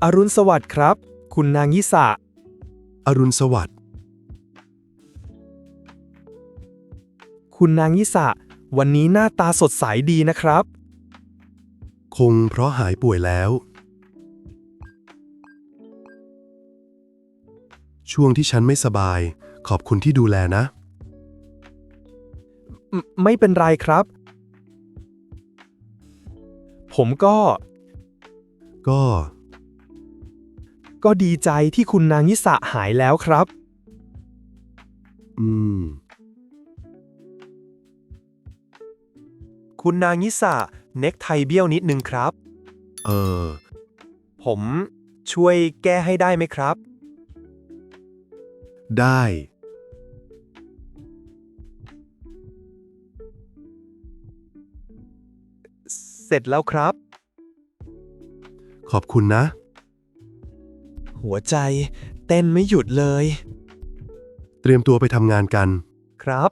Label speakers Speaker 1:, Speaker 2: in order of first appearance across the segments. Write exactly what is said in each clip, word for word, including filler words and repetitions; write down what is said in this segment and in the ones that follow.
Speaker 1: อรุณสวัสดิ์ครับคุณนางิสะ
Speaker 2: อรุณสวัสดิ์
Speaker 1: คุณนางิสะวันนี้หน้าตาสดใสดีนะครับ
Speaker 2: คงเพราะหายป่วยแล้วช่วงที่ฉันไม่สบายขอบคุณที่ดูแลนะ
Speaker 1: ไม่ไม่เป็นไรครับ ผมก็
Speaker 2: ก็
Speaker 1: ก็ดีใจที่คุณนางิสะหายแล้วครับ
Speaker 2: อืม
Speaker 1: คุณนางิสะเน็กไทเบี้ยวนิดนึงครับ
Speaker 2: เออ
Speaker 1: ผมช่วยแก้ให้ได้ไหมครับ
Speaker 2: ได้
Speaker 1: เสร็จแล้วครับ
Speaker 2: ขอบคุณนะ
Speaker 1: หัวใจเต้นไม่หยุดเลย
Speaker 2: เตรียมตัวไปทำงานกัน
Speaker 1: ครับ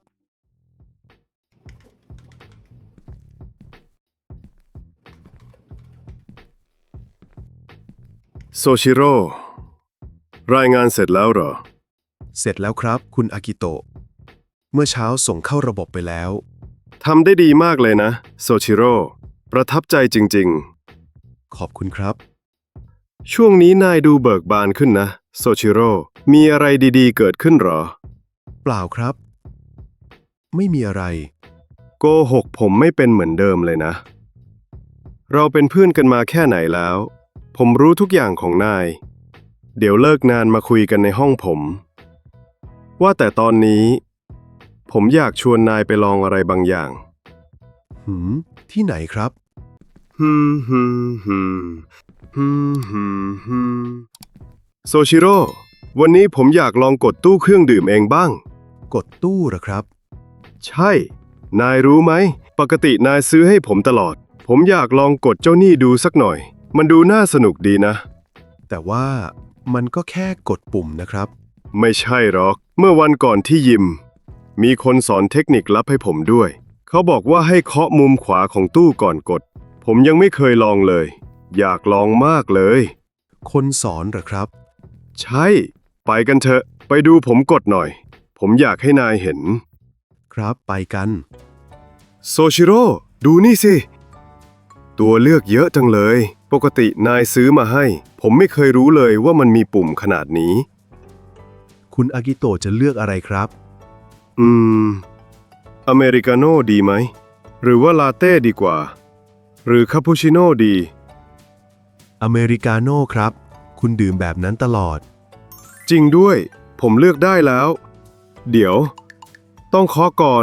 Speaker 3: โซชิโร่รายงานเสร็จแล้วเหรอ
Speaker 2: เสร็จแล้วครับคุณอากิโตะเมื่อเช้าส่งเข้าระบบไปแล้ว
Speaker 3: ทำได้ดีมากเลยนะโซชิโร่ประทับใจจริง
Speaker 2: ขอบคุณครับ
Speaker 3: ๆ ช่วงนี้นายดูเบิกบานขึ้นนะโซชิโร่มีอะไรดีๆเกิดขึ้นเหรอ
Speaker 2: เปล่าครับ ไม่มีอะไร
Speaker 3: โกหกผมไม่เป็นเหมือนเดิมเลยนะ เราเป็นเพื่อนกันมาแค่ไหนแล้ว ผมรู้ทุกอย่างของนาย เดี๋ยวเลิกงานมาคุยกันในห้องผม ว่าแต่ตอนนี้ ผมอยากชวนนายไปลองอะไรบางอย่าง
Speaker 2: หืม ที่ไหนครับ
Speaker 3: ฮึมฮึมฮึมฮึมฮึมฮึมโซชิโร่วันนี้ผมอยากลองกดตู้เครื่องดื่มเองบ้าง
Speaker 2: กดตู้เหรอครับ
Speaker 3: ใช่ นายรู้ไหม ปกตินายซื้อให้ผมตลอด ผมอยากลองกดเจ้านี่ดูสักหน่อย มันดูน่าสนุกดีนะ
Speaker 2: แต่ว่ามันก็แค่กดปุ่มนะครับ
Speaker 3: ไม่ใช่หรอก เมื่อวันก่อนที่ยิม มีคนสอนเทคนิคลับให้ผมด้วย เขาบอกว่าให้เคาะมุมขวาของตู้ก่อนกด ผมยังไม่เคยลองเลย อยากลองมากเลย
Speaker 2: คนสอนเหรอครับ
Speaker 3: ใช่ ไปกันเถอะ ไปดูผมกดหน่อย ผมอยากให้นายเห็น
Speaker 2: ครับไปกัน
Speaker 3: โซชิโร่ดูนี่สิ ตัวเลือกเยอะจังเลย ปกตินายซื้อมาให้ ผมไม่เคยรู้เลยว่ามันมีปุ่มขนาดนี้
Speaker 2: คุณอากิโตะจะเลือกอะไรครับ
Speaker 3: อืม อเมริกาโน่ดีไหม หรือว่าลาเต้ดีกว่า หรือคาปูชิโน่ดี
Speaker 2: อเมริกาโน่ครับ คุณดื่มแบบนั้นตลอด
Speaker 3: จริงด้วย ผมเลือกได้แล้ว เดี๋ยว ต้องเคาะก่อน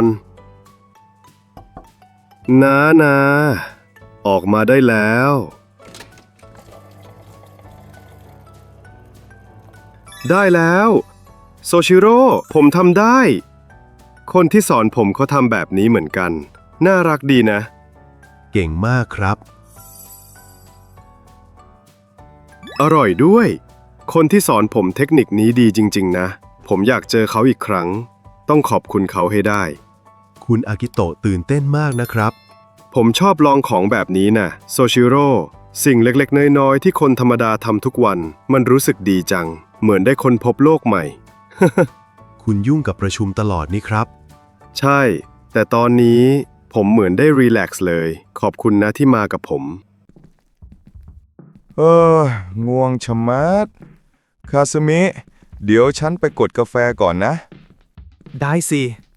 Speaker 3: นานาออกมาได้แล้ว ได้แล้วโซชิโร่ผมทำได้ คนที่สอนผมเขาทำแบบนี้เหมือนกัน น่ารักดีนะ
Speaker 2: เก่งมากครับ
Speaker 3: อร่อยด้วย คนที่สอนผมเทคนิคนี้ดีจริงๆนะ ผมอยากเจอเขาอีกครั้ง ต้องขอบคุณเขาให้ได้
Speaker 2: คุณอากิโตะตื่นเต้นมากนะครับ
Speaker 3: ผมชอบลองของแบบนี้นะโซชิโร่สิ่งเล็กๆน้อยๆที่คนธรรมดาทำทุกวัน มันรู้สึกดีจัง เหมือนได้ค้นพบโลกใหม่
Speaker 2: คุณยุ่งกับประชุมตลอดนี่ครับ
Speaker 3: ใช่ แต่ตอนนี้ผมเหมือนได้รีแลกซ์เลย ขอบคุณนะที่มากับผม
Speaker 4: เออง่วงชะมัด คาซึมิ เดี๋ยวฉันไปกดกาแฟก่อนนะ
Speaker 1: ได้สิ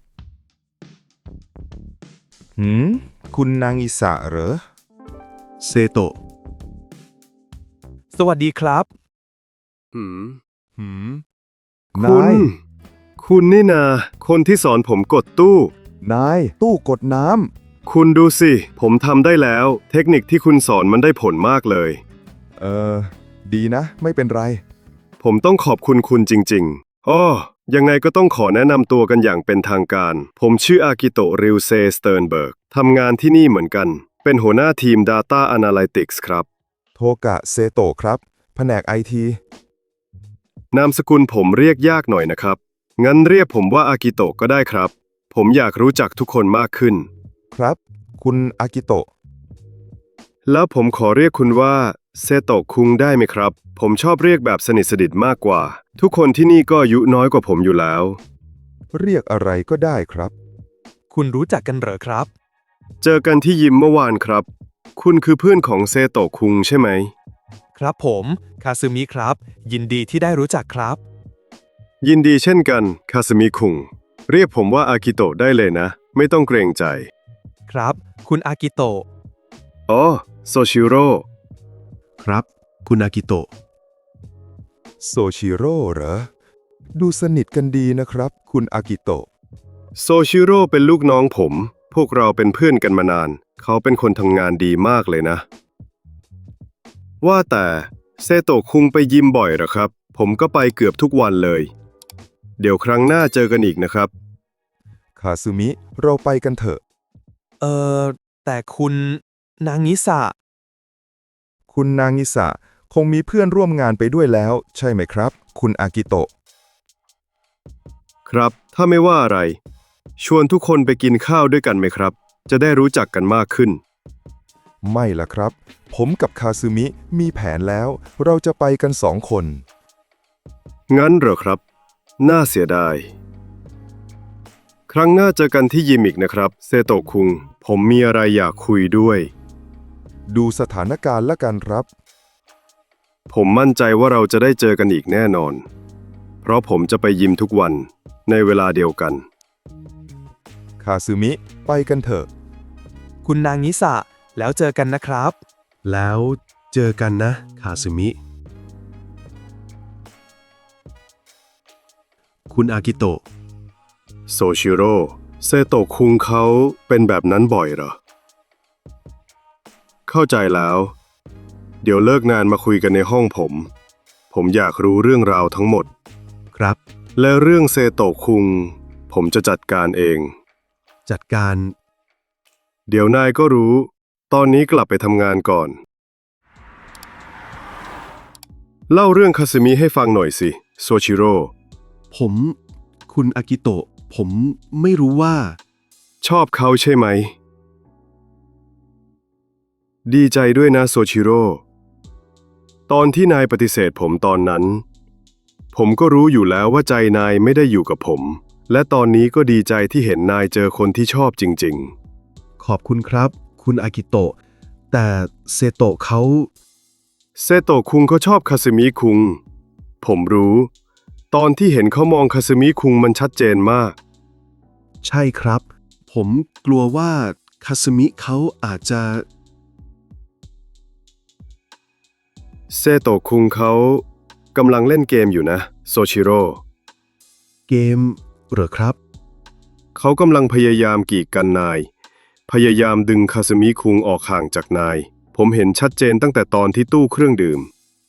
Speaker 4: หืม คุณนางอิสะเหรอ
Speaker 2: เซโตะ
Speaker 1: สวัสดีครับ
Speaker 3: หืม
Speaker 4: หืม
Speaker 3: คุ
Speaker 4: นาย
Speaker 3: ณ คุณนี่นา คนที่สอนผมกดตู้
Speaker 4: นาย ตู้กดน้
Speaker 3: คุณดูสิ ผมทำได้แล้ว เทคนิคที่คุณสอนมันได้ผลมากเลย
Speaker 4: ำเออ ดีนะ ไม่เป็นไร
Speaker 3: ผมต้องขอบคุณคุณจริงๆอ้อยังไงก็ต้องขอแนะนำตัวกันอย่างเป็นทางการ ผมชื่ออากิโตะ ริวเซ สเติร์นเบิร์ก ทำงานที่นี่เหมือนกัน เป็นหัวหน้าทีม Data Analytics ครับ
Speaker 4: โทกะเซโตะครับ แผนกไอที
Speaker 3: นามสกุลผมเรียกยากหน่อยนะครับ งั้นเรียกผมว่าอากิโตะก็ได้ครับ ผมอยากรู้จักทุกคนมากขึ้น
Speaker 4: ครับ คุณอากิโตะ
Speaker 3: แล้วผมขอเรียกคุณว่าเซโตะคุงได้ไหมครับ ผมชอบเรียกแบบสนิทสนิทมากกว่า ทุกคนที่นี่ก็อายุน้อยกว่าผมอยู่แล้ว
Speaker 4: เรียกอะไรก็ได้ครับ
Speaker 1: คุณรู้จักกันเหรอครับ
Speaker 3: เจอกันที่ยิมเมื่อวานครับ คุณคือเพื่อนของเซโตะคุงใช่ไหม
Speaker 1: ครับผมคาซึมิครับ ยินดีที่ได้รู้จักครับ
Speaker 3: ยินดีเช่นกันคาสมิคุงเรียกผมว่าอากิโตะได้เลยนะ ไม่ต้องเกรงใจ
Speaker 1: ครับ คุณอากิโตะ
Speaker 3: อ๋อโซชิโร่
Speaker 2: ครับ คุณอากิโตะ
Speaker 4: โซชิโร่เหรอ ดูสนิทกันดีนะครับ คุณอากิโตะ
Speaker 3: โซชิโร่เป็นลูกน้องผม พวกเราเป็นเพื่อนกันมานาน เขาเป็นคนทำงานดีมากเลยนะ ว่าแต่เซโตะคุงไปยิมบ่อยเหรอครับ ผมก็ไปเกือบทุกวันเลย เดี๋ยวครั้งหน้าเจอกันอีกนะครับ
Speaker 4: คาซึมิ เราไปกันเถอะ
Speaker 1: เอ่อ แต่คุณนางนิสะ
Speaker 4: คุณนางิสะคงมีเพื่อนร่วมงานไปด้วยแล้ว ใช่ไหมครับ คุณอากิโตะ
Speaker 3: ครับ ถ้าไม่ว่าอะไร ชวนทุกคนไปกินข้าวด้วยกันไหมครับ จะได้รู้จักกันมากขึ้น
Speaker 4: ไม่ล่ะครับ ผมกับคาซึมิมีแผนแล้ว เราจะไปกันสองคน
Speaker 3: งั้นเหรอครับ น่าเสียดาย ครั้งหน้าเจอกันที่ยิมอีกนะครับ เซโตะคุง ผมมีอะไรอยากคุยด้วย
Speaker 4: ดูสถานการณ์ละกันครับ
Speaker 3: ผมมั่นใจว่าเราจะได้เจอกันอีกแน่นอน เพราะผมจะไปยิมทุกวันในเวลาเดียวกัน
Speaker 4: คาซึมิ ไปกันเถอะ
Speaker 1: คุณนางนิสะ แล้วเจอกันนะครับ
Speaker 2: แล้วเจอกันนะคาซึมิ คุณอากิโตะ
Speaker 3: โซชิโร่ เซโตะคุงเขาเป็นแบบนั้นบ่อยเหรอ เข้าใจแล้ว เดี๋ยวเลิกงานมาคุยกันในห้องผม ผมอยากรู้เรื่องราวทั้งหมด
Speaker 2: ครับ
Speaker 3: และเรื่องเซโตะคุง ผมจะจัดการเอง
Speaker 2: จัดการ
Speaker 3: เดี๋ยวนายก็รู้ ตอนนี้กลับไปทำงานก่อน เล่าเรื่องคาซึมิให้ฟังหน่อยสิ โซชิโร่
Speaker 2: ผม คุณอากิโตะ ผมไม่รู้ว่า
Speaker 3: ชอบเขาใช่ไหม ดีใจด้วยนะโซชิโร่ ตอนที่นายปฏิเสธผมตอนนั้น ผมก็รู้อยู่แล้วว่าใจนายไม่ได้อยู่กับผม และตอนนี้ก็ดีใจที่เห็นนายเจอคนที่ชอบจริง
Speaker 2: ขอบคุณครับ คุณอากิโตะ แต่เซโตะเขา
Speaker 3: ๆ เซโตะคุงเขาชอบคาซึมิคุง ผมรู้ ตอนที่เห็นเขามองคาซึมิคุงมันชัดเจนมาก
Speaker 2: ใช่ครับ ผมกลัวว่าคาซึมิเขาอาจจะ
Speaker 3: เซโตะคุงเขากำลังเล่นเกมอยู่นะ โซชิโร่
Speaker 2: เกมเหรอครับ
Speaker 3: เขากำลังพยายามกีดกันนาย พยายามดึงคาซึมิคุงออกห่างจากนาย ผมเห็นชัดเจนตั้งแต่ตอนที่ตู้เครื่องดื่ม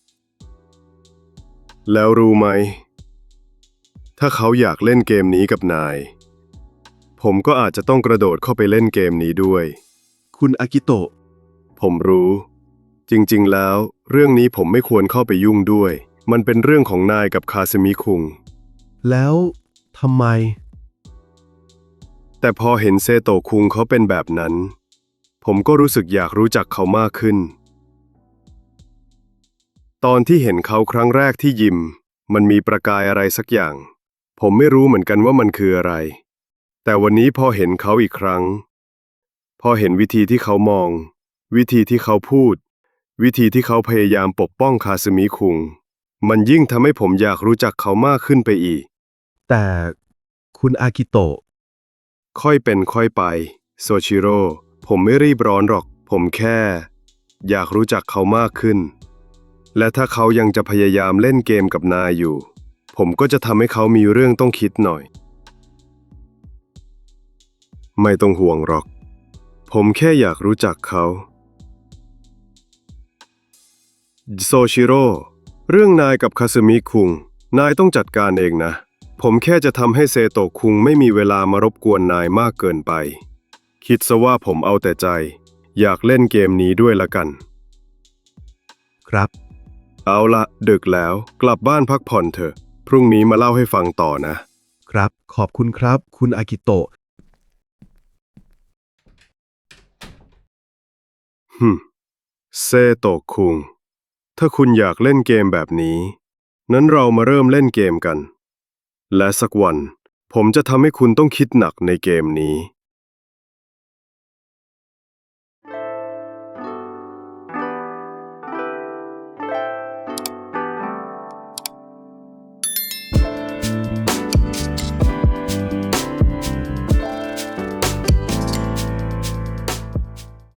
Speaker 3: แล้วรู้ไหม ถ้าเขาอยากเล่นเกมนี้กับนาย ผมก็อาจจะต้องกระโดดเข้าไปเล่นเกมนี้ด้วย
Speaker 2: คุณอากิโตะ
Speaker 3: ผมรู้ จริงๆ แล้ว เรื่องนี้ผมไม่ควรเข้าไปยุ่งด้วย มันเป็นเรื่องของนายกับคาซึมิคุง
Speaker 2: แล้วทำไม
Speaker 3: แต่พอเห็นเซโตะคุงเขาเป็นแบบนั้น ผมก็รู้สึกอยากรู้จักเขามากขึ้น ตอนที่เห็นเขาครั้งแรกที่ยิม มันมีประกายอะไรสักอย่าง ผมไม่รู้เหมือนกันว่ามันคืออะไร แต่วันนี้พอเห็นเขาอีกครั้ง พอเห็นวิธีที่เขามอง วิธีที่เขาพูด วิธีที่เขาพยายามปกป้องคาซึมิคุง มันยิ่งทำให้ผมอยากรู้จักเขามากขึ้นไปอีก
Speaker 2: แต่คุณอากิโตะ
Speaker 3: ค่อยเป็นค่อยไป โซชิโร่ ผมไม่รีบร้อนหรอก ผมแค่ อยากรู้จักเขามากขึ้น และถ้าเขายังจะพยายามเล่นเกมกับนายอยู่ ผมก็จะทำให้เขามีเรื่องต้องคิดหน่อย ไม่ต้องห่วงหรอก ผมแค่อยากรู้จักเขา โซชิโร่ เรื่องนายกับคาซึมิคุง นายต้องจัดการเองนะ ผมแค่จะทำให้เซโตะคุงไม่มีเวลามารบกวนนายมากเกินไป คิดซะว่าผมเอาแต่ใจ อยากเล่นเกมนี้ด้วยละกัน
Speaker 2: ครับ
Speaker 3: เอาละดึกแล้วกลับบ้านพักผ่อนเถอะ พรุ่งนี้มาเล่าให้ฟังต่อนะ
Speaker 2: ครับ ขอบคุณครับ คุณอากิโตะ
Speaker 3: ฮึมเซโตะคุงถ้าคุณอยากเล่นเกมแบบนี้ นั้นเรามาเริ่มเล่นเกมกัน และสักวัน ผมจะทำให้คุณต้องคิดหนักในเกมนี้